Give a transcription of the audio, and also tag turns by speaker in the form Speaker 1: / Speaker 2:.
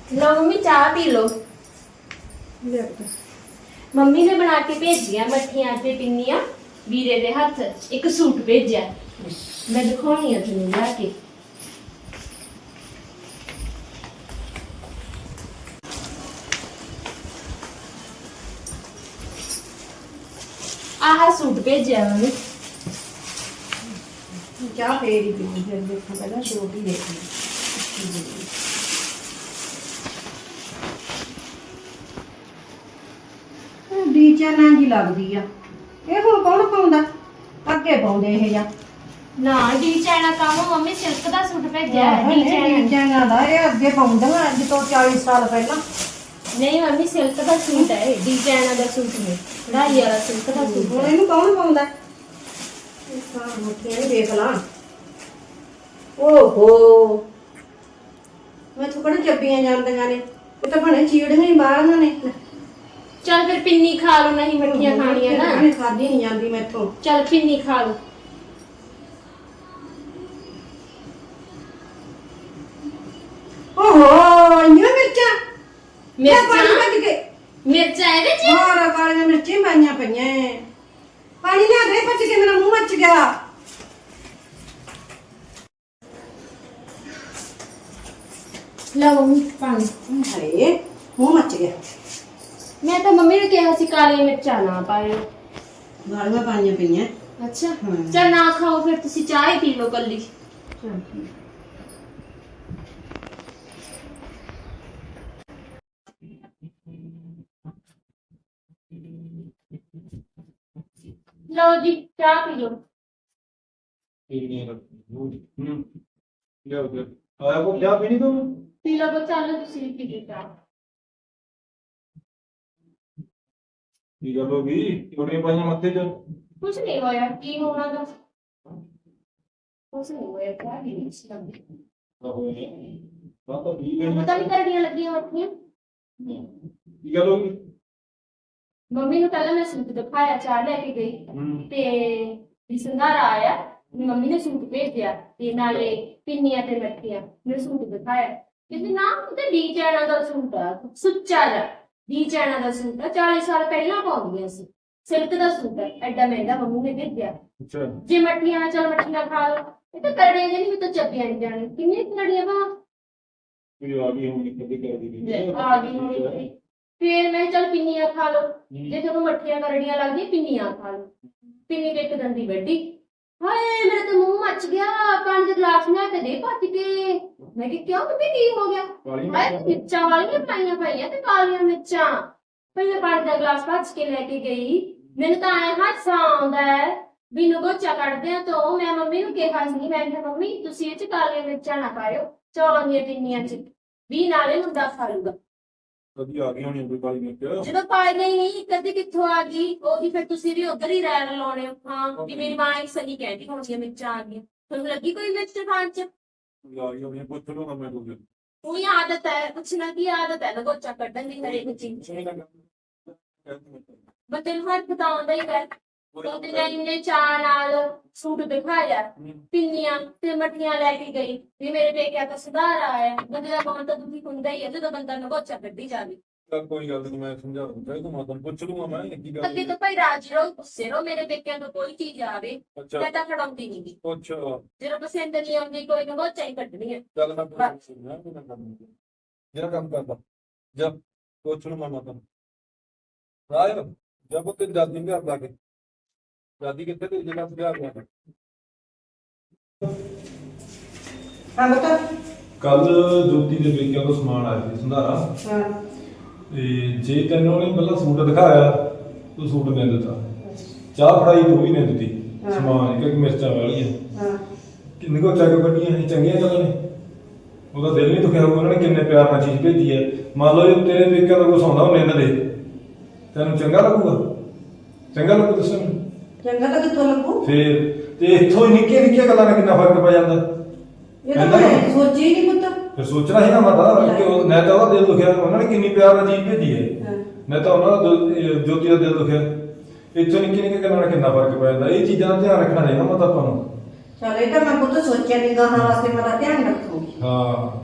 Speaker 1: लो mummy चाह पी लो। मम्मी ने बना के भेजिया मठियां ते पिन्नियां वीरे दे हथ एक सूट भेजा मैं दिखानी है तुम लाके। आह सूट भेजा मम्मी
Speaker 2: चाह फेरी पी फिर देखो पहले सूट ही देखो। ਡੀਜ਼ਾਈਨਾਂ ਜੀ ਲੱਗਦੀ ਆ ਇਹ ਹੁਣ ਕੌਣ ਪਾਉਂਦਾ ਅੱਗੇ ਪਾਉਂਦੇ ਇਹ ਜਾਂ
Speaker 1: ना डी चाइना काम मम्मी सिल्क दा सूट भेजा डी चाइना
Speaker 2: ਡੀਜ਼ਾਈਨਾਂ ਦਾ ਇਹ ਅੱਗੇ ਪਾਉਂਦੀਆਂ ਅੱਜ ਤੋਂ 40 ਸਾਲ ਪਹਿਲਾਂ।
Speaker 1: नहीं मम्मी सिल्क दा सूट है डी चाइना दा सूट नहीं कढ़ाई वाला सिल्क दा सूट
Speaker 2: ਹੁਣ
Speaker 1: है।
Speaker 2: ਇਹਨੂੰ ਕੌਣ ਪਾਉਂਦਾ ਇਹ ਸਾਰ ਮੋਟੀਆਂ ਨੇ ਦੇਖ ਲਾਂ। ਓਹੋ ਮੈਂ ਥੋੜਾ ਚੱਬੀਆਂ ਜਾਂਦੀਆਂ ਨੇ ਇਹ ਤਾਂ ਬਣੇ ਚੀੜੀਆਂ ਹੀ ਬਾਹਲੀਆਂ ਨੇ।
Speaker 1: चल फिर पिन्नी खा लो नहीं मठियां खानियां ना
Speaker 2: ਇਹਨੇ ਖਾਦੀ ਨਹੀਂ ਜਾਂਦੀ ਮੈਥੋਂ।
Speaker 1: चल पिन्नी खा लो।
Speaker 2: ਓਹੋ ਇੰਨੀਆਂ ਮਿਰਚਾਂ ਪਾਣੀ
Speaker 1: मिर्चा
Speaker 2: ਭੱਜ ਕੇ
Speaker 1: मिर्चा ਇਹਦੇ ਚ
Speaker 2: ਹੋਰ ਕਾਲੀਆਂ ਮਿਰਚਾਂ ਪਾਈਆਂ ਪਈਆਂ ਪਾਣੀ ਲਿਆ ਦੇ ਭੱਜ ਕੇ ਮੇਰਾ ਮੂੰਹ ਮੱਚ ਗਿਆ।
Speaker 1: लो मम्मी पानी।
Speaker 2: ਹਾਏ ਮੂੰਹ ਮੱਚ ਗਿਆ।
Speaker 1: मैं तो मम्मी ने कहा सी काली मिर्चा ना पायो।
Speaker 2: ਗਾਲੀਆਂ ਪਾਈਆਂ ਪਈਆਂ।
Speaker 1: अच्छा
Speaker 2: हाँ।
Speaker 1: चल ना खाओ फिर तुसी चाय ही पी लो कल्ली। लो जी चाय पी लो।
Speaker 3: आया को क्या पीनी तुम?
Speaker 1: पी लो बच्चा लो तुसी भी पी लो चाय।
Speaker 3: की गल होगी चोटियां पाइयां मत्थे च
Speaker 1: कुछ नहीं होया की होना था कुछ नहीं होया क्या भी नहीं सी लगी।
Speaker 3: तो ठीक है
Speaker 1: पता नहीं करड़ियां लगी मठियां
Speaker 3: की गल होगी
Speaker 1: मम्मी ਨੂੰ ਪਹਿਲਾਂ ਮੈਂ ਸੂਟ ਦਿਖਾਇਆ ਚਾਹ ਲੈ ਕੇ ਗਈ ਤੇ ਵੀ ਸੰਧਾਰਾ ਆਇਆ ਮੰਮੀ ਨੇ ਸੂਟ ਭੇਜਿਆ ਤੇ ਨਾਲੇ ਪਿੰਨੀਆਂ ਤੇ ਮੱਠੀਆਂ ਮੈਂ ਸੂਟ ਦਿਖਾਇਆ ਕਹਿੰਦੇ ਨਾ ਉਹ ਤੇ ਡੀ ਚਾਈਨਾ ਦਾ ਸੂਟ ਆ ਸੁੱਚਾ ਜਿਹਾ ਡੀ ਚਾਈਨਾ ਦਾ ਸੂਟ ਆ 40 ਸਾਲ ਪਹਿਲਾਂ ਪਾਉਂਦੀਆਂ ਸੀ ਸਿਲਕ ਦਾ ਸੂਟ ਹੈ ਐਡਾ ਮਹਿੰਗਾ ਮੰਮੀ ਨੇ ਭੇਜਿਆ
Speaker 3: अच्छा
Speaker 1: ਜੇ ਮੱਠੀਆਂ ਚਲ ਮੱਠੀਆਂ ਖਾ ਲਓ ਇਹ ਤਾਂ ਕਰੜੀਆਂ ਜਿਹੀ ਵੀ ਤਾਂ ਚੱਪੀਆਂ ਨਹੀਂ ਜਾਣੇ ਕਿੰਨੇ ਕਰੜੀਆਂ ਬਾ
Speaker 3: कोई आ गई होगी कभी कर दी
Speaker 1: ਆ ਗਈ ਹੋਣੀ ਫਿਰ ਮੈਂ ਚਲ ਪਿੰਨੀਆਂ ਖਾ ਲਓ ਜੇ ਤੁਹਾਨੂੰ ਮੱਠੀਆਂ ਕਰੜੀਆਂ ਲੱਗਦੀਆਂ ਪਿੰਨੀਆਂ ਖਾ ਲਓ ਪਿੰਨੀ ਤੇ ਇੱਕ ਦੰਦੀ ਵੱਡੀ ਹਾਏ ਮੇਰੇ ਤਾਂ ਮੂੰਹ ਮੱਚ ਗਿਆ 5 ਗਲਾਸ ਲੈ ਕੇ ਦੇ ਭੱਜ ਕੇ ਮੈਂ ਕਿ ਕਿਉਂ ਬੀਬੀ ਕੀ ਹੋ ਗਿਆ
Speaker 3: काली
Speaker 1: ਹਾਏ ਮਿਰਚਾਂ ਵਾਲੀਆਂ ਪਾਈਆਂ ਪਈਆਂ ਤੇ ਕਾਲੀਆਂ ਮਿਰਚਾਂ ਪਹਿਲੇ ਪਾਣੀ ਦਾ ਗਲਾਸ ਭੱਜ ਕੇ ਲੈ ਕੇ ਗਈ ਮੈਨੂੰ ਤਾਂ ਐ ਹਾਸਾ ਆਉਂਦਾ ਹੈ ਵੀ ਨਗੋਚਾ ਕੱਢਦੇ ਆ ਤੋਂ ਮੈਂ ਮੰਮੀ ਨੂੰ ਕਿਹਾ ਸੀ ਮੈਂ ਕਿਹਾ ਮੰਮੀ ਤੁਸੀਂ ਇਹ ਚ ਕਾਲੀਆਂ ਮਿਰਚਾਂ ਨਾ ਪਾਇਓ ਚੌਲਾਂ ਦੀਆਂ ਪਿੰਨੀਆਂ ਚ ਵੀ ਨਾਲੇ ਮੁੰਡਾ ਖਾ ਲੂਗਾ
Speaker 3: कभी आ गई होनी कोई काली मिर्च
Speaker 1: ਜਦੋਂ ਪਾਈ ਨਹੀਂ ਕਦੇ ਕਿੱਥੋਂ ਆ ਗਈ ਉਹੀ ਫਿਰ ਤੁਸੀਂ ਵੀ ਉਧਰ ਹੀ ਰਹਿ ਲਾਉਣੇ ਹੋ ਹਾਂ ਵੀ ਮੇਰੀ ਮਾਂ ਇੱਕ ਸਹੀ ਕਹਿੰਦੀ ਹੋਣਗੀਆਂ ਮਿਰਚਾਂ ਆ ਗਈਆਂ ਤੁਹਾਨੂੰ ਲੱਗੀ ਕੋਈ ਮਿਰਚ ਖਾਣ ਚ
Speaker 3: कोई आ गई होनी पूछ लो ना मैं तुझे
Speaker 1: ਉਹੀ ਆਦਤ ਹੈ ਪੁੱਛਣਾ ਕੀ ਆਦਤ ਹੈ ਨਗੋਚਾ ਕੱਢਣ ਦੀ ਹਰੇਕ ਚੀਜ਼ ਬੰਦੇ ਨੂੰ ਹੱਥ ਤਾਂ ਆਉਂਦਾ ਹੀ ਹੈ ਉਹਦੇ ਨਾਲ ਇਹਨੇ ਚਾਹ ਨਾਲ ਸੂਟ ਦਿਖਾਇਆ ਪਿੰਨੀਆਂ ਤੇ ਮੱਠੀਆਂ ਲੈ ਕੇ ਗਈ ਵੀ ਮੇਰੇ ਪੇਕਿਆਂ ਦਾ ਸੁਧਾਰ ਆਇਆ ਬੰਦੇ ਦਾ ਮਨ ਤਾਂ ਦੁਖੀ ਹੁੰਦਾ ਹੀ ਹੈ ਜਦੋਂ ਬੰਦਾ ਨਗੋਚਾ ਕੱਢੀ ਜਾਵੇ
Speaker 3: कोई गल नहीं मैं समझा दूंगा तो मैं पूछ लूंगा मैं की गल
Speaker 1: ਅੱਗੇ ਤੋਂ ਭਾਈ ਰਾਜੀ ਰਹੋ ਗੁੱਸੇ ਰਹੋ ਮੇਰੇ ਪੇਕਿਆਂ ਤੋਂ ਕੋਈ ਚੀਜ਼ ਆਵੇ
Speaker 3: अच्छा
Speaker 1: ਮੈਂ ਤਾਂ ਖੜਾਉਂਦੀ ਨਹੀਂ ਗੀ
Speaker 3: अच्छा
Speaker 1: ਜਦੋਂ ਪਸੰਦ ਨਹੀਂ ਆਉਂਦੀ ਕੋਈ ਨਗੋਚਾ ਹੀ ਕੱਢਣੀ ਹੈ
Speaker 3: चल मैं पूछ लूंगा मैं कर दूंगा जरा काम करता जब पूछ लूंगा मैं तुम राय जब ते दादी के घर जाके दादी कितने ते जगह से आ गया
Speaker 2: ਹਾਂ ਬਤਾ
Speaker 3: ਕੱਲ ਜੋਤੀ ਦੇ ਪੇਕਿਆਂ ਤੋਂ ਸਮਾਨ ਆਇਆ ਸੀ ਸੰਧਾਰਾ
Speaker 2: ਹਾਂ
Speaker 3: ਤੇ ਜੇ ਤੈਨੂੰ ਉਹਨੇ ਪਹਿਲਾਂ ਸੂਟ ਦਿਖਾਇਆ ਤੂੰ ਸੂਟ ਨਹੀਂ ਦਿੱਤਾ ਚਾਹ ਫੜਾਈ ਤੂੰ ਵੀ ਨਹੀਂ ਦਿੱਤੀ ਸਮਾਨ ਕਿ ਮਿਰਚਾਂ ਵਾਲੀਆਂ
Speaker 2: ਹਾਂ
Speaker 3: ਕਿੰਨੇ ਕੋ ਚੱਕ ਕੱਢੀਆਂ ਇਹ ਚੰਗੀਆਂ ਗੱਲਾਂ ਨੇ ਉਹਦਾ ਦਿਲ ਨਹੀਂ ਦੁਖਿਆ ਹੋਊਗਾ ਉਹਨਾਂ ਨੇ ਕਿੰਨੇ ਪਿਆਰ ਨਾਲ ਚੀਜ਼ ਭੇਜੀ ਹੈ ਮੰਨ ਲਓ ਜੇ ਤੇਰੇ ਪੇਕਿਆਂ ਦਾ ਕੁਛ ਆਉਂਦਾ ਉਹਨੇ ਇਹਨਾਂ ਦੇ ਤੈਨੂੰ ਚੰਗਾ ਲੱਗੂਗਾ ਚੰਗਾ ਲੱਗੂ ਦੱਸੋ ਮੈਨੂੰ
Speaker 2: ਚੰਗਾ ਤਾਂ ਕਿੱਥੋਂ ਲੱਗੂ
Speaker 3: ਫੇਰ ਤੇ ਇੱਥੋਂ ਹੀ ਨਿੱਕੀਆਂ ਨਿੱਕੀਆਂ ਗੱਲਾਂ ਨਾਲ ਕਿੰਨਾ ਫਰਕ ਪੈ ਜਾਂਦਾ
Speaker 2: ਇਹ ਤਾਂ ਮੈਂ ਸੋਚੀ ਨਹੀਂ ਪੁੱਤ।
Speaker 3: ਫਿਰ ਸੋਚਣਾ ਸੀ ਨਾ ਮਤਾ ਕਿ ਨਾ ਤਾਂ ਉਹਦਾ ਦਿਲ ਦੁਖਿਆ ਉਹਨਾਂ ਨੇ ਕਿੰਨੀ ਪਿਆਰ ਨਾਲ ਚੀਜ਼ ਭੇਜੀ ਹੈ ਨਾ ਤਾਂ ਉਹਨਾਂ ਦਾ ਜੋਤੀ ਦਾ ਦਿਲ ਦੁਖਿਆ ਇੱਥੋਂ ਨਿੱਕੀ ਨਿੱਕੀ ਗੱਲਾਂ ਨਾਲ ਕਿੰਨਾ ਫਰਕ ਪੈ ਜਾਂਦਾ ਇਹ ਚੀਜ਼ਾਂ ਦਾ ਧਿਆਨ ਰੱਖਣਾ ਚਾਹੀਦਾ ਮਤਾ ਆਪਾਂ ਨੂੰ
Speaker 2: ਚਲ ਇਹ ਤਾਂ ਮੈਂ ਪੁੱਤ ਸੋਚਿਆ ਨਹੀਂ ਗਾਹਾਂ ਵਾਸਤੇ ਮੈਂ ਤਾਂ ਧਿਆਨ ਰੱਖੂਗੀ।
Speaker 3: ਹਾਂ